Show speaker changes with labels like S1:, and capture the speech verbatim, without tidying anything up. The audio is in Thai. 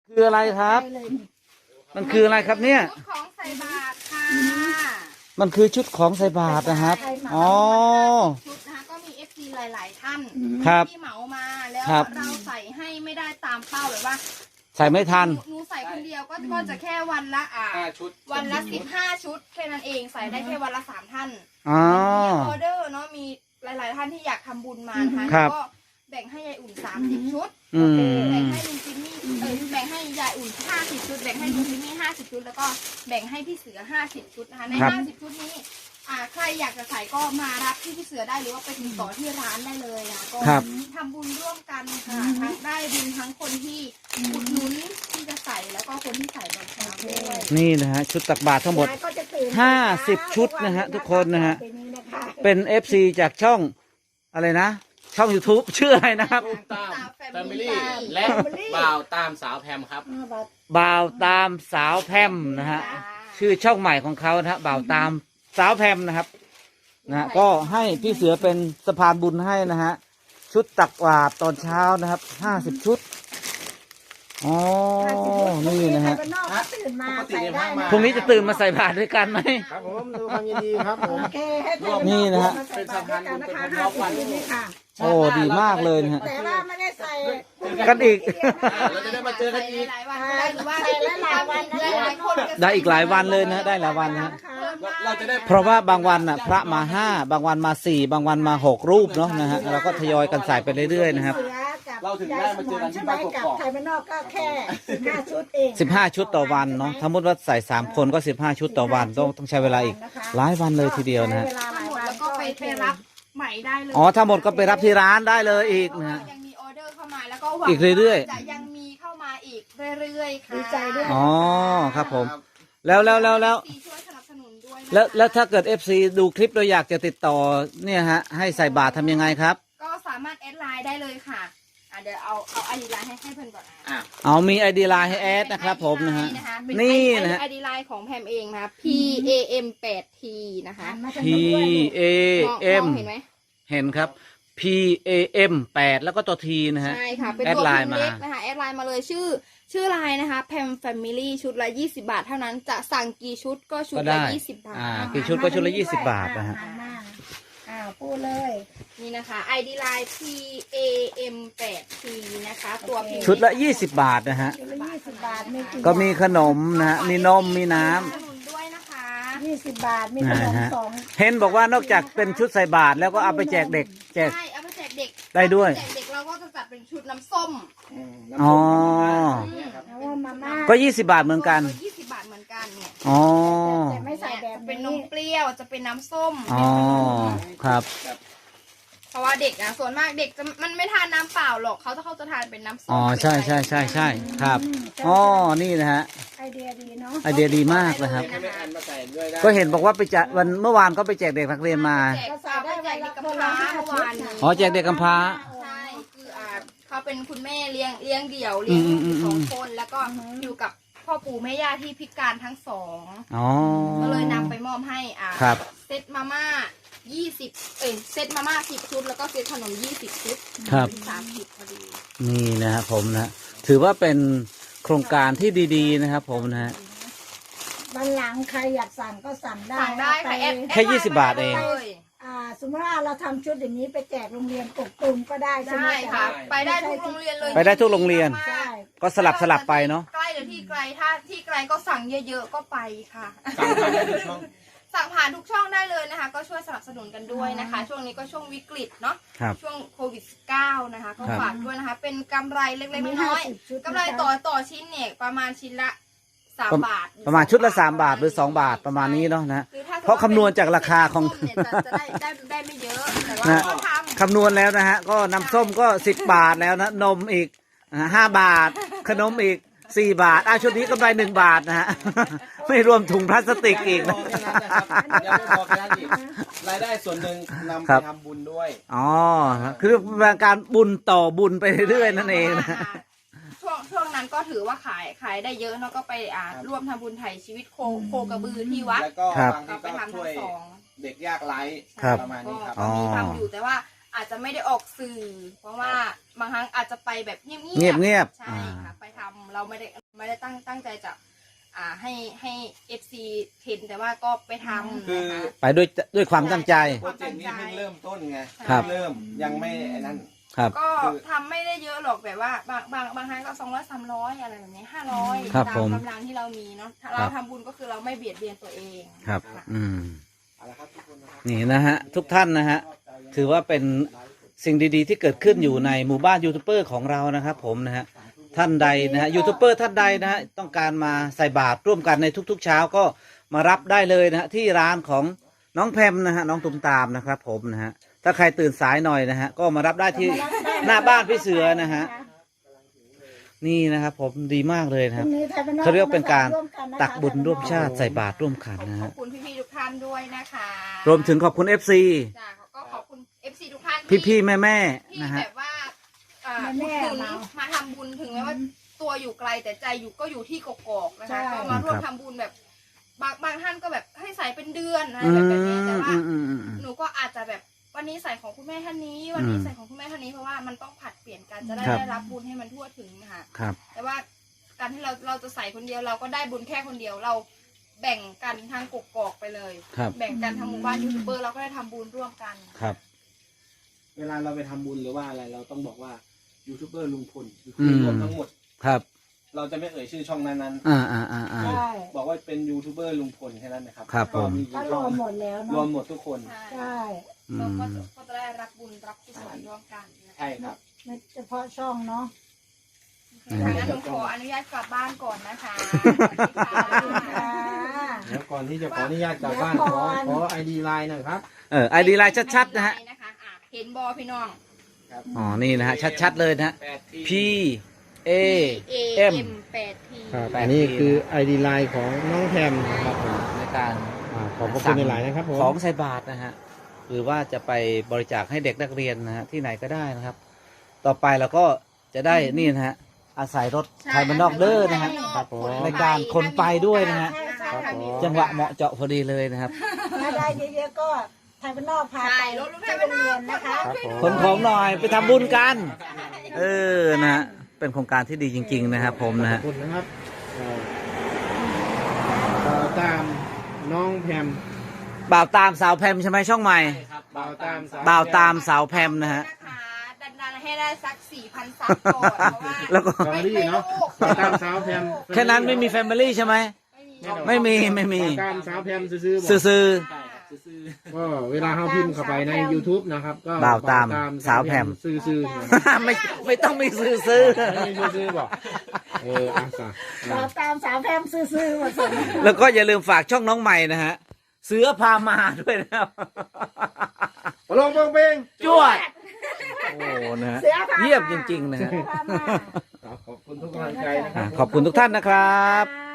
S1: คืออะไรครับ มันคืออะไรครับเนี่ย
S2: ชุดของใส่บาตรค่ะ
S1: มันคือชุดของใส่บาตรนะครับอ๋อ
S2: ชุดนะคะก็มีเอฟซีหลาย ๆ ท่าน
S1: ครับ
S2: ที่เหมามาแล้ว
S1: ครับ
S2: เราใส่ให้ไม่ได้ตามเป้าแบบว่า
S1: ใส่ไม่ทัน
S2: หหนูใส่คนเดียวก็ก็จะแค่วันละอ่า
S3: ห้าชุด
S2: วันละสิบห้าชุดแค่นั้นเองใส่ได้แค่วันละสามท่าน
S1: อ๋อ
S2: มีออเดอร์เนาะมีหลาย ๆ ท่านที่อยากทำบุญมานะคะ
S1: ครับ
S2: ก็แบ่งให้ยายอุ่นสามสิบชุด
S1: อืม
S2: แบ่งให้ลุงจิมมี่เออแบ่งให้ยายอุ่นห้าสิบชุดแบ่งให้ลุงจิมมี่ห้าสิบชุดแล้วก็แบ่งให้พี่เสือห้าสิบชุดนะคะใน
S1: ครับ
S2: ห้าสิบชุดนี้อ่าใครอยากจะใส่ก็มารับที่พี่เสือได้หรือว่าไปติดต่อที่ร้านได้เลยนะก็
S1: ครับ
S2: ทำบุญร่วมกันค่ะทั้งได้บุญทั้งคนที่อุดหนุนที่จะใส่แล้วก็คนที่ใส่ตอนเช้าด้วย
S1: นี่นะฮะชุดตักบาตรทั้งหมด
S4: ยายก็จะตื่น
S1: ห้าสิบชุดนะฮะทุกคนนะฮะ เป็น เอฟ ซี จากช่องอะไรนะ ช่อง YouTube ชื่ออะไรนะครับ
S3: ตุ้มตามแฟมิลี่และบ่าวตามสาวแพมครับ
S1: บ่าวตามสาวแพมนะฮะ ชื่อช่องใหม่ของเขานะฮะบ่าวตามสาวแพมนะครับนะฮะก็ให้พี่เสือเป็นสะพานบุญให้นะฮะชุดตักบาตรตอนเช้านะครับห้าสิบชุดอ๋อนี่นะฮะ
S4: ตื่นมาใส่ได้นะ
S1: พรุ่งนี้จะตื่นมาใส่บาตรด้วยกันไหม
S3: ครับผมดูความยินดีครับผม
S4: โอเคให้ตื่
S1: นี่นะฮะ
S3: เป็นสะพานบุญเป็น
S4: ห้า
S3: ล็อก
S4: สิบ
S3: วัน
S4: นี่ค่ะ
S1: โอ้ดีมากเลยนะฮะ
S4: แต่ว่าไม่ได้ใส่
S1: กันอีก
S3: เราจะได้มาเจอกันอีก
S2: หลายๆวันก็ได้หรือว่า
S4: ใส่หลายๆวันนะ
S2: หลายๆคนก็
S1: ได้อีกหลายวันเลยนะได้หลายวันนะ
S3: เราจะได้
S1: เพราะว่าบางวันน่ะพระมาห้าบางวันมาสี่บางวันมาหกรูปเนาะนะฮะเราก็ทยอยกันใส่ไปเรื่อยๆนะครับ
S3: เราถึงได้มาเจอกันที่บ้านก
S4: กับ
S3: อก
S4: ไทยบ้านนอกก็แค่สิบห้าชุดเอง
S1: สิบห้าชุดต่อวันเนาะสมมติว่าใส่สามคนก็สิบห้าชุดต่อวันต้องต้องใช้เวลาอีกหลายวันเลยทีเดียวนะฮะ
S4: ใช้เวลาหลาย
S2: หมด
S4: วัน
S2: แล้วก็ไปไปรับใหม่ได้เลย
S1: อ๋อถ้าหมดก็ไปรับที่ร้านได้เลยอีก
S2: เพราะ
S1: นะ
S2: ว่า
S1: ฮะ
S2: ยังมีออเดอร์เข้ามาแล้วก็หวัง
S1: อีกเรื่อยๆ
S2: ว่าจะยังมีเข้ามาอีกเรื่อยๆค่ะ
S4: ดีใจด้วย
S1: อ๋อครับผม แล้วแล้วแล้วแล้ว
S2: ซีช่วยสนับสนุนด้วยนะคะ
S1: แล้วแล้วถ้าเกิด เอฟ ซี ดูคลิปเราอยากจะติดต่อเนี่ยฮะให้ใส่บาตรทำยังไงครับ
S2: ก็สามารถแอดไลน์ได้เลยค่ะอ่ะเดี๋ยวเอาเอาไอดีไลน์ให้ให้เพื่อนก่อนนะ
S3: อ่ะ
S1: เอามี ไอ ดี ไลน์ให้แอดนะครับผมนะฮะ
S2: เป็น
S1: นี่นะฮะ
S2: ไอดีไลน์ของแพมเองนะคะ P A M แปด T นะคะ
S4: มาจาก
S1: P
S4: นู้นด้วย
S1: A
S2: มอง
S1: M
S2: มองเห็นไหม
S1: เห็นครับ P A M แปดแล้วก็ตัว T นะฮะ
S2: ใช่ค่ะเป็น
S1: แอด
S2: ตัว
S1: ไล
S2: พิ
S1: น์
S2: มพ์
S1: มา
S2: เล็กนะคะแอดไลน์มาเลยชื่อชื่อไลน์นะคะ Pam Family ชุดละยี่สิบบาทเท่านั้นจะสั่งกี่ชุดก็ชุด
S1: ก็
S2: ละ
S1: ได้
S2: ยี่สิบบาท
S1: อ่ากี่ชุดก็ชุดละยี่สิบบาทนะฮะ
S4: อ่มาอ้าวพูดเลย
S2: นี่นะคะ ไอ ดี ไลน์ P A M แปด T นะคะ ตัวพิมพ์
S1: ชุดละยี่สิบบาทนะฮะ
S4: ชุดละยี่สิบบาทมีกี่
S1: ก็มีขนมนะฮะมีนมมีน้ำ
S2: สนับสนุนด้วยนะคะ
S4: ยี่สิบบาทมีขนม
S1: นะฮะ
S4: สอง
S1: เห็นบอกว่านอกจากเป็นชุดใส่บาตรแล้วก็เอาไปแจกเด็กแจก
S2: ใช่เอาไปแจกเด็ก
S1: ได้ด้วย
S2: เอาไปแจกเด็กเราก็จะจัดเป็นชุดน้ำส้ม
S1: อ๋อ
S4: แล้วว่ามาม่า
S1: ก็ยี่สิบบาทเหมือนกัน
S2: ยี่สิบบาทเหมือนกันเนี่ย
S1: อ๋อ
S4: แต่ไม่ใส่แบบ
S2: จะเป็นน
S4: นี้
S2: มเปรี้ยวจะเป็นน้ำส้ม
S1: อ๋อครับ
S2: เพราะว่าเด็กนะส่วนมากเด็กจะมันไม่ทานน้ำเปล่าหรอกเขาจะเขาจะทานเป็นน้ำส้ม
S1: อ๋อใช่ใช่ใช่ใช่ครับอ๋อนี่นะฮะ
S4: ไอเดียดีเนาะ
S1: ไอเดียดีมากนะครับ
S3: ให้ไม่อันมาใส่ด้วยได้
S1: ก็เห็นบอกว่าไปจัดวันเมื่อวานก็ไปแจกเด็กนักเรียนมา
S2: แจกเอาไปแจกเด็กกำพร้าเมื่อวานนี้
S1: อ๋อแจกเด็กกำพร้า
S2: ใช่คืออ่าเขาเป็นคุณแม่เลี้ยงเลี้ยงเดี่ยวเลี้ยงลูกอยู่สองคนแล้วก็อยู่กับพ่อปู่แม่ย่าที่พิการทั้งสอง
S1: อ๋อ
S2: ก็เลยนำไปมอบให้อ่า
S1: ครับ
S2: เซตมาม่ายี่สิบเอ้ยเซตมาม่าสิบชุดแล้วก็เซตขนมยี่สิบชุด
S1: ครับ
S2: สามสิบพอดี
S1: นี่นะครับผมนะถือว่าเป็นโครงการที่ดีๆนะครับผมนะฮะ
S4: วันหลังใครอยากสั่งก็สั่งได้
S2: สั่งได้ค่ะแอด
S1: แค่ยี่สิบบาทเอง
S2: ลย
S4: อ่าสมมติว่าเราทำชุดอย่างนี้ไปแจกโรงเรียนกกตุมก็ได้ใช่ไหม
S2: ได้ค่ะ ไปได้ทุกโรงเรียนเลย
S1: ไปได้ทุกโรงเรียน
S4: ใช่
S1: ก็สลับสลับไปเนาะ
S2: ใกล้หรือที่ไกลถ้าที่ไกลก็สั่งเยอะๆก็ไปค่ะ
S3: สั่งผ่านได้ทุกช่อง
S2: สั่งผ่านทุกช่องได้เลยนะคะ ก็ช่วยสนับสนุนกันด้วยนะคะ ช่วงนี้ก็ช่วงวิกฤตเนาะ
S1: ครับ
S2: ช่วงโควิด สิบเก้า นะคะ ก็
S1: ครับ
S2: ฝากด้วยนะคะ เป็นกำไรเล็กๆ
S4: มี
S2: น้อย
S4: ห้าสิบชุด
S2: ๆกำไรต่อต่อชิ้นเนี่ยประมาณชิ้นละสามบาท
S1: ประมาณชุดละสามบาทหรือสองบาทประมาณนี้เนาะนะ
S2: คือถ้สมมุติ
S1: เพราะคำนวณจากราคาของ
S2: เนี่ยจะจะได้ได้ได้ไม่เยอะแต่ว่า
S1: นะ
S2: ก็ทำ
S1: คำนวณแล้วนะฮะก็น้ำส้มก็สิบบาทแล้วนะนมอีกห้าบาท ขนมอีกสี่บาทอ่ะชุดนี้กำไรหนึ่งบาทนะฮะ ไม่รวมถุงพลาสติกอีกนะ
S3: ยังไม่พอแค่นั้นอีกรายได้ส่วนหนึ่งนำ
S1: ครั
S3: ไป
S1: บ
S3: ทำบุญด้วย
S1: อ๋อคือเป็นการบุญต่อบุญไปเรื่อยๆนั่นเองนะ
S2: ช่วงช่วงนั้นก็ถือว่าขายขายได้เยอะเนาะก็ไปอ่าร่วมทำบุญไถ่ชีวิตโคโคกระบือที่วัด
S3: แล้วก็
S1: ครับ
S3: บางที
S2: ก็ไป
S3: ก็
S2: ทำ
S3: ช่
S2: ทั้
S3: วย
S2: งสอง
S3: เด็กยากไร้
S1: ครับ
S3: ประมาณนี้ครับ
S2: ก็มีทำอยู่แต่ว่าอาจจะไม่ได้ออกสื่อ เพราะว่าบางครั้งอาจจะไปแบบเงียบๆ
S1: เงียบๆ
S2: ใช่
S1: อ่า
S2: ค่ะไปทำเราไม่ได้ไม่ได้ตั้งตั้งใจจะอ่าให้ให้เอฟซีเห็นแต่ว่าก็ไปทำ
S3: คือ
S2: นะคะ
S1: ไปด้วยด้วยความตั้งใจ
S3: โปรเจกต์นี้เพิ่งเริ่มต้นไง
S1: ครับ
S3: เริ่มยังไม่ไอ้นั่น
S1: ครับ
S2: ก็ทำไม่ได้เยอะหรอกแบบว่าบางบางบางครั้งก็สองร้อยสามร้อยอะไรแบบนี้ห้าร้อย
S1: ครับ
S2: ตา
S1: ผม ม
S2: กำลังที่เรามีเนาะเราทำบุญก็คือเราไม่เบียดเบียนตัวเอง
S1: ครับ
S2: ค่ะ
S1: อืม
S3: เอาละครับทุกคนนะครับ
S1: นี่นะฮะ ทุกท่านนะฮะ ถือว่าเป็นสิ่งดีๆที่เกิดขึ้นอยู่ในหมู่บ้านยูทูบเบอร์ของเรานะครับผมนะฮะ ท่านใดนะฮะยูทูบเบอร์ท่านใดนะฮะต้องการมาใส่บาตรร่วมกันในทุกๆเช้าก็มารับได้เลยนะฮะที่ร้านของน้องแพมนะฮะน้องตุมตามนะครับผมนะฮะถ้าใครตื่นสายหน่อยนะฮะก็มารับได้ที่หน้าบ้านพี่เสือนะฮะนี่นะครับผมดีมากเลยนะครับ เขาเรียกเป็นการตักบุญร่วมชาติใส่บาตรร่วมกัน
S2: ขอบ
S1: นะ
S2: ขอ
S1: ฮะ
S2: บคุณพี่ๆทุกท่านด้วยนะคะ
S1: รวมถึงขอบคุณ เอฟ ซี
S2: จ้ะก็ขอบคุณ เอฟ ซี ทุกท่านที่
S1: พี่ๆแม่
S2: ที่
S1: ๆนะ
S2: แบ
S1: ฮะ
S2: บว่าเอ่อ
S4: แม่
S2: ถึง
S4: ๆเรา
S2: มาทำบุญถึงแม้ว่าตัวอยู่ไกลแต่ใจอยู่ก็อยู่ที่กกอกนะ
S4: ใช่
S2: คะก็มาร่วม
S1: ครับ
S2: ทำบุญแบบบางบางท่านก็แบบให้ใส่เป็นเดือนอะไร
S1: อื
S2: แบบ
S1: ม
S2: แบบนี้แต่ว่า
S1: อืมอืมอืม
S2: หนูก็อาจจะแบบวันนี้ใส่ของคุณแม่ท่านนี้ วันนี้
S1: อืม
S2: ใส่ของคุณแม่ท่านนี้เพราะว่ามันต้องผลัดเปลี่ยนกันจะได้
S1: ครับ
S2: ได้รับบุญให้มันทั่วถึงนะคะ
S1: ครับ
S2: แต่ว่าการที่เราเราจะใส่คนเดียวเราก็ได้บุญแค่คนเดียวเราแบ่งกันทางกกอกไปเลย
S1: ครับ
S2: แบ่งกันทางหมู่บ้านยูทูบเบอร์เราก็ได้ทำบุญร่วมกัน
S1: ครับ
S3: เวลาเราไปทำบุญหรือว่าอะไรเราต้องบอกว่ายูทูบเบอร์ลุงพล
S1: อืม
S3: รวมทั้งหมด
S1: ครับ
S3: เราจะไม่เอ่ยชื่อช่องนั้น
S1: อ่าอ่าอ่าอ่า
S4: ใช่
S3: ๆบอกว่าเป็นยูทูบเบอร์ลุงพลแค่นั้นนะครับ
S1: ครับผม
S3: ก็มี
S4: ก็ร
S3: ช่อ
S4: ว
S3: ง
S4: มหมดแล้ว
S3: รว
S4: เนาะ
S3: มหมดทุกคน
S2: ใช่
S4: ใช่
S1: อื
S2: เรา
S1: ม
S2: ก็จะก็จะได้รับบุญรับกุศลร่วมกันนะคะ
S3: ใช่ครับ
S4: ไม่เฉพาะช่องเนาะ
S2: ทางนั้นหนูขออนุญาตกลับบ้านก่อนนะคะ
S4: อ่า
S5: เดี๋ยวก่อนที่จะขออนุญาตกลับบ้าน
S4: เดี๋
S5: ข
S4: ยว
S5: อ
S4: ก่อน
S5: ขอไอดีไลน์หน่อยครับ
S1: เออไอดีไลน์ชัดๆนะฮะ
S2: อ่เห็นบอพี่น้อง
S1: อ๋อ นี่นะฮะ ชัดๆเลยนะฮะ
S3: แปดที
S1: P A M
S2: แปดที
S5: ครับ
S1: แปด
S5: อันนี้
S1: ที
S5: คือไอดีไลน์ของน้องแพมนะครับผม
S1: ในการ
S5: อ่าขอบพระคุณหลายๆนะครับผม
S1: ของใส่บาตรนะฮะ หรือว่าจะไปบริจาคให้เด็กนักเรียนนะฮะ ที่ไหนก็ได้นะครับ ต่อไปเราก็จะได้นี่นะฮะ อาศัยรถไทยมันนอกเด้อนะฮะ
S5: ครับผม
S1: ในการขนไปด้วยนะฮะ
S2: ใช่ใช่
S5: ครับผม
S1: จังหวะเหมาะเจาะพอดีเลยนะครับ
S4: ถ้าได้เยอะๆก็ไทยบ้านนอกพา
S2: ใช่
S4: ไป
S2: รถลูก
S4: ที่
S2: ไทย
S4: โรงเรียนนะคะ
S5: ครับผม
S1: ขนของหน่อยไปทำบุญกัน เออ นะฮะ เป็นโครงการที่ดีจริง ๆ นะครับผมนะ
S5: ขอ
S1: ฮะ
S5: บคุณนะครับเอ่อบ่าวตามน้องแพม
S1: บ่าวตามสาวแพมใช่ไหมช่องใหม่
S3: ครับ
S5: บ่าวตามสว
S1: บ่าวตามสาวแพมนะฮะ
S2: ดันดันๆให้ได้สักสี่พันซับก่อนเพราะว่า
S1: แล้วก็
S5: แฟมิลี่เนาะบ่าวตามสาวแพม
S1: แค่นั้นไม่มีแฟมิลี่ใช่ไหม ไม่มีไม่มี
S5: บ่าวตามสาวแพมซื้อๆบอก
S1: ซื่อ
S3: ใช่ครับซื้อ
S5: ก็เวลาเขาพิมพ์เข้าไปใน YouTube นะครับ ก็
S1: บ่าวตามสาวแพม
S5: ซื้อๆนะ
S1: ๆ ไม่ไม่ต้องมีซื่อ
S5: ไม่ซื้อๆบอกเอออาสา
S4: สาวตามสาวแพมซื่อๆหมดสน
S1: ๆ แล้วก็อย่าลืมฝากช่องน้องใหม่นะฮะ เสือพามาด้วยนะครับ
S5: ลงเปงเปง
S1: จวด โอ้นะฮะ
S4: เสือพามา
S1: เยี่ยมจริง ๆ นะฮะ
S4: เสือพามา
S5: ขอบคุณทุกกำลังใจนะค
S1: อ่ะ
S5: รับ
S1: ขอบคุณทุกท่านนะครับ
S4: ค่ะ